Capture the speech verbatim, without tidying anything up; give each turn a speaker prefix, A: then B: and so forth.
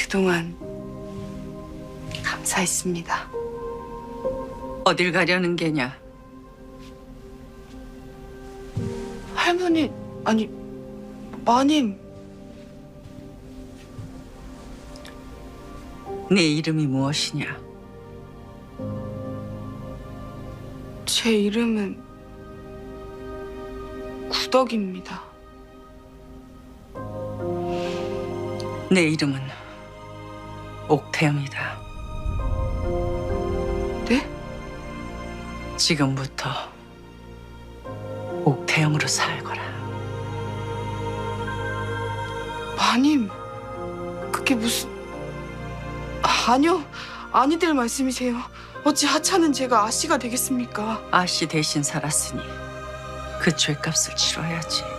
A: 그동안 감사했습니다.
B: 어딜 가려는 게냐?
A: 할머니, 아니, 마님.
B: 네 이름이 무엇이냐?
A: 제 이름은 구덕입니다.
B: 내 이름은 옥태영이다.
A: 네?
B: 지금부터 옥태영으로 살거라.
A: 마님, 그게 무슨... 아니요, 아니될 말씀이세요. 어찌 하찮은 제가 아씨가 되겠습니까?
B: 아씨 대신 살았으니 그 죄값을 치러야지.